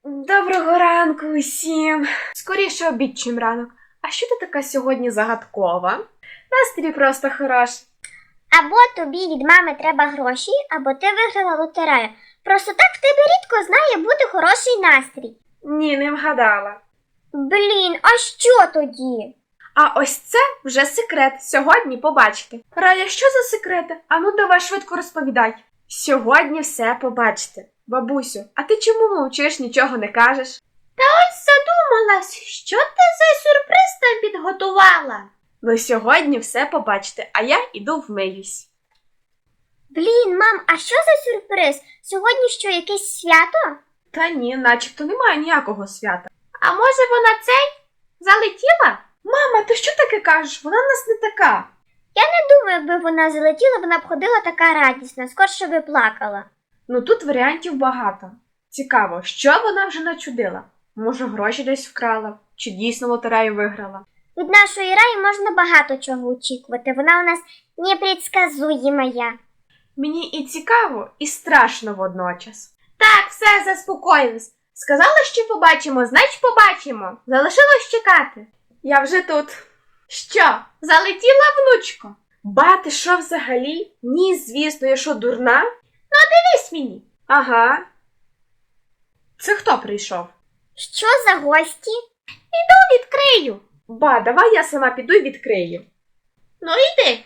Доброго ранку усім. Скоріше обід, чим ранок. А що ти така сьогодні загадкова? Настрій просто хороший. Або тобі від мами треба гроші, або ти виграла лотерею. Просто так в тебе рідко знає бути хороший настрій. Ні, не вгадала. Блін, а що тоді? А ось це вже секрет. Сьогодні побачите. Рая, що за секрети? Ану, давай швидко розповідай. Сьогодні все побачите. Бабусю, а ти чому мовчиш, нічого не кажеш? Ось задумалась, що ти за сюрприз там підготувала? Ну сьогодні все побачите, а я іду вмиюсь. Блін, мам, а що за сюрприз? Сьогодні що, якесь свято? Та ні, начебто немає ніякого свята. А може вона залетіла? Мама, ти що таке кажеш? Вона в нас не така. Я не думаю, якби вона залетіла, вона б ходила така радісна, скорше би плакала. Ну тут варіантів багато. Цікаво, що вона вже начудила? Може, гроші десь вкрала? Чи дійсно лотерею виграла? Від нашої Раї можна багато чого очікувати, вона у нас непредсказуємая. Мені і цікаво, і страшно водночас. Так, все, заспокоїлась. Сказала, що побачимо, значить побачимо. Залишилось чекати. Я вже тут. Що, залетіла, внучко? Ба, ти що взагалі? Ні, звісно, я що, дурна? Ну, дивись мені. Ага. Це хто прийшов? Що за гості? Відкрию. Ба, давай я сама піду і відкрию. Ну йди.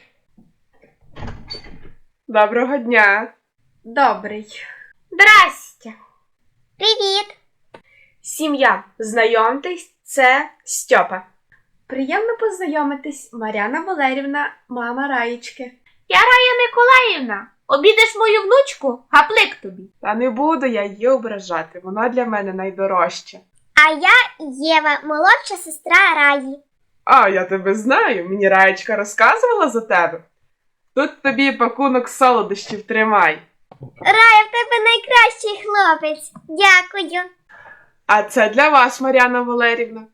Доброго дня. Добрий. Здрастя. Привіт. Сім'я, знайомтесь, це Стьопа. Приємно познайомитись, Мар'яна Валерівна, мама Раєчки. Я Рая Миколаївна. Обідеш мою внучку, гаплик тобі. Та не буду я її ображати, вона для мене найдорожча. А я Єва, молодша сестра Раї. А, я тебе знаю, мені Раєчка розказувала за тебе. Тут тобі пакунок солодощів, тримай. Рая, в тебе найкращий хлопець. Дякую. А це для вас, Мар'яна Валерівна.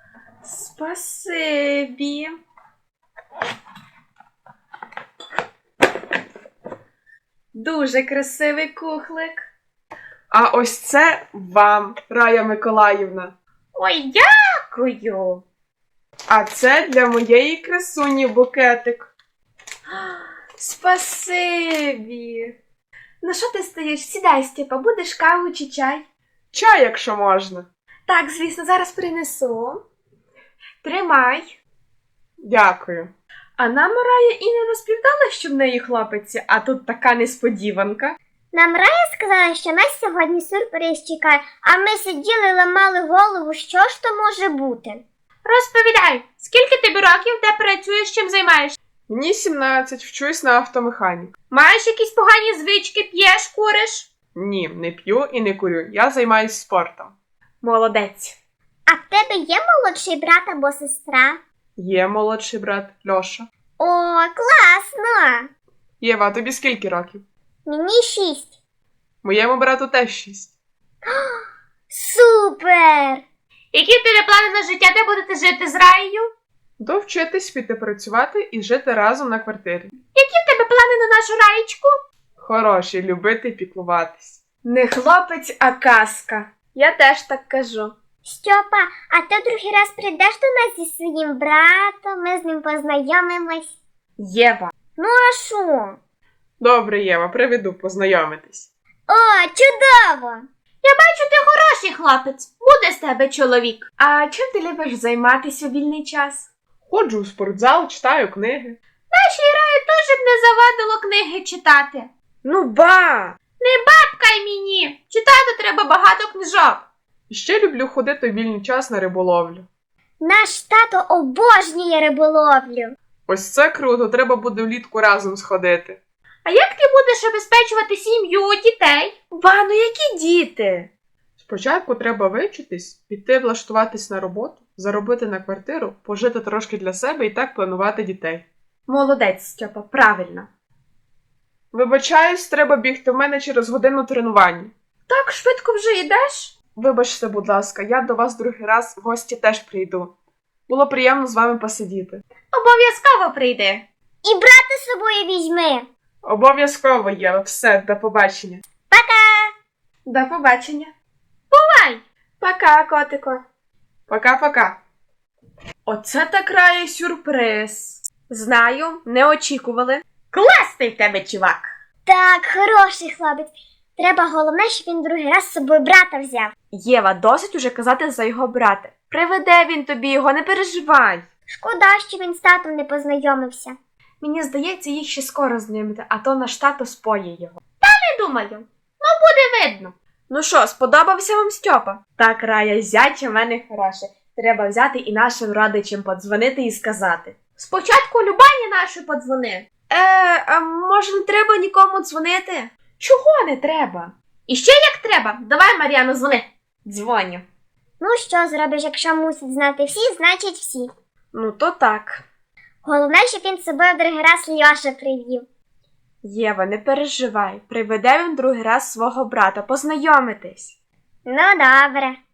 Спасибі. Дуже красивий кухлик. А ось це вам, Рая Миколаївна. Ой, дякую. А це для моєї красуні букетик. Спасибі. Ну що ти стоїш? Сідай, Степа, будеш каву чи чай? Чай, якщо можна. Так, звісно, зараз принесу. Тримай. Дякую. А нам Рая і не розповідала, що в неї хлопець, а тут така несподіванка. Нам Рая сказала, що нас сьогодні сюрприз чекає, а ми сиділи і ламали голову, що ж то може бути. Розповідай, скільки тобі років, де працюєш, чим займаєшся? Мені 17, вчусь на автомеханік. Маєш якісь погані звички, п'єш, куриш? Ні, не п'ю і не курю. Я займаюсь спортом. Молодець. А в тебе є молодший брат або сестра? Є молодший брат Льоша. О, класно! Єва, а тобі скільки років? Мені 6. Моєму брату теж 6. Супер! Які в тебе плани на життя, де будете жити з Раєю? Довчитись, піти працювати і жити разом на квартирі. Які в тебе плани на нашу Раєчку? Хороші, любити і піклуватись. Не хлопець, а казка. Я теж так кажу. Стьопа, а ти другий раз прийдеш до нас зі своїм братом, ми з ним познайомимось. Єва. Ну а що? Добре, Єва, приведу познайомитись. О, чудово! Я бачу, ти хороший хлопець. Буде з тебе чоловік. А чим ти любиш займатися у вільний час? Ходжу у спортзал, читаю книги. Нашій Раї теж б не завадило книги читати. Ну ба! Не бабкай мені! Читати треба багато книжок. І ще люблю ходити у вільний час на риболовлю. Наш тато обожнює риболовлю. Ось це круто, треба буде влітку разом сходити. А як ти будеш обезпечувати сім'ю, дітей? Ба, ну які діти? Спочатку треба вивчитись, піти влаштуватись на роботу, заробити на квартиру, пожити трошки для себе і так планувати дітей. Молодець, Стьопа, правильно. Вибачаюсь, треба бігти, в мене через годину тренування. Так швидко вже йдеш? Вибачте, будь ласка, я до вас другий раз в гості теж прийду. Було приємно з вами посидіти. Обов'язково прийди. І брата з собою візьми. Обов'язково, Єва. Все, до побачення. Пока! До побачення. Бувай! Пока, котико. Пока-пока. Оце так Рая сюрприз. Знаю, не очікували. Класний в тебе, чувак. Так, хороший хлопець. Треба головне, щоб він другий раз з собою брата взяв. Єва, досить уже казати за його брата. Приведе він тобі його, не переживай. Шкода, що він з татом не познайомився. Мені здається, їх ще скоро знайомити, а то наш тато споє його. Не думаю. Ну, буде видно. Ну що, сподобався вам Стьопа? Так, Рая, зять у мене хороше. Треба взяти і нашим родичам подзвонити і сказати. Спочатку Любані нашої подзвони. А може не треба нікому дзвонити? Чого не треба? І ще як треба. Давай, Мар'яну, дзвони. Дзвоню. Ну, що зробиш, якщо мусить знати всі, значить всі. Ну то так. Головне, щоб він з собою другий раз Льоша привів. Єва, не переживай. Приведе він другий раз свого брата. Познайомитись. Ну, добре.